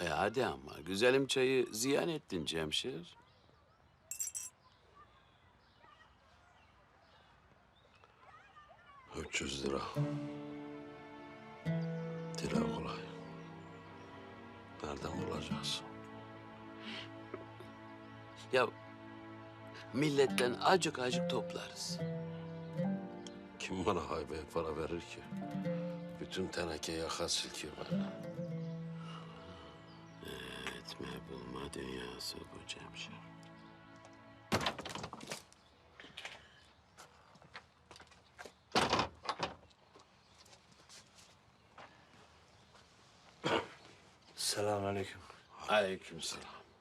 Hadi ama güzelim çayı ziyan ettin Cemşir. $300. Dile kolay. Nereden bulacağız? Ya milletten acık acık toplarız. Kim bana haybeye para verir ki? Bütün teneke yaka silkiyor benden. Etme bulma dünyası bu Cemşir. Selamünaleyküm. Aleykümselam.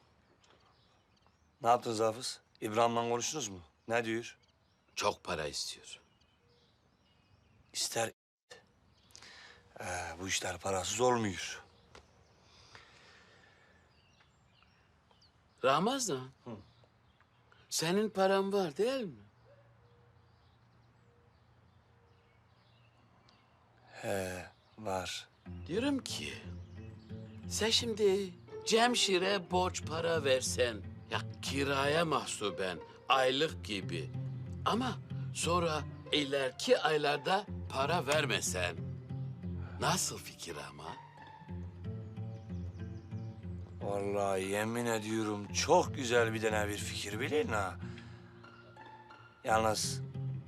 Ne yaptınız Hafız? İbrahim'le konuştunuz mu? Ne diyor? Çok para istiyor. İster. Bu işler parasız olmuyor. Ramazan. Senin paran var değil mi? Var. Diyorum ki sen şimdi Cemşir'e borç para versen ya kiraya mahsuben aylık gibi ama sonra ileriki aylarda para vermesen nasıl fikir ama? Vallahi yemin ediyorum çok güzel bir tane bir fikir bilin ha. Yalnız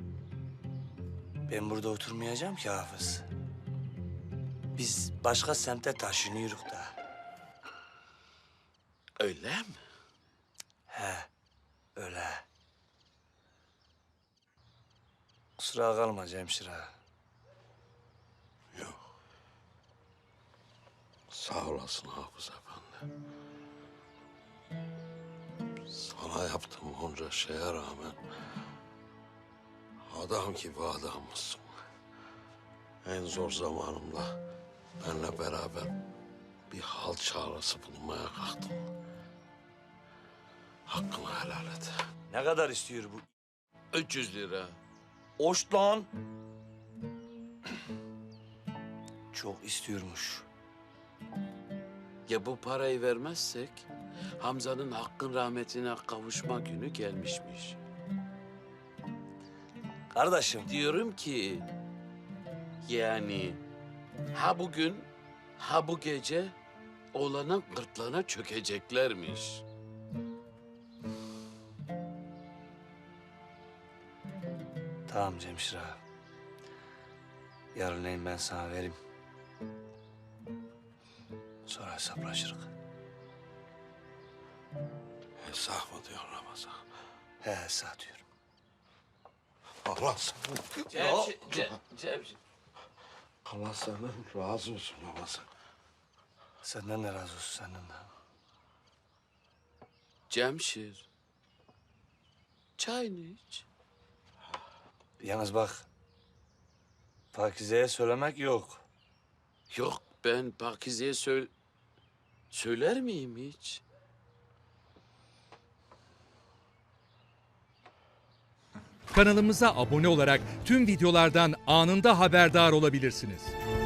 ben burada oturmayacağım ki Hafız. Biz başka semte taşınıyoruz da. Öyle mi? Öyle. Kusura kalma Cemşir ağa. Sağ olasın Hafız Efendi. Sana yaptığım onca şeye rağmen adam gibi adammışsın. En zor zamanımda benimle beraber bir hal çağrısı bulmaya kalktın. Hakkını helal et. Ne kadar istiyor bu? 300 lira. Oş lan. Çok istiyormuş. Ya bu parayı vermezsek Hamza'nın hakkın rahmetine kavuşma günü gelmişmiş. Kardeşim. Diyorum ki yani ha bugün ha bu gece oğlanın gırtlağına çökeceklermiş. Tamam Cemşir ağa. Yarınleyin ben sana vereyim. Sonra hesaplaşırız. Hesap mı diyor Ramazan? He sağ diyorum. Allah sana. Cemşir. Allah senden razı olsun Ramazan. Senden de razı olsun senden de. Cemşir. Çayını iç. Yalnız bak. Pakize'ye söylemek yok. Yok ben Pakize'ye söyler miyim hiç? Kanalımıza abone olarak tüm videolardan anında haberdar olabilirsiniz.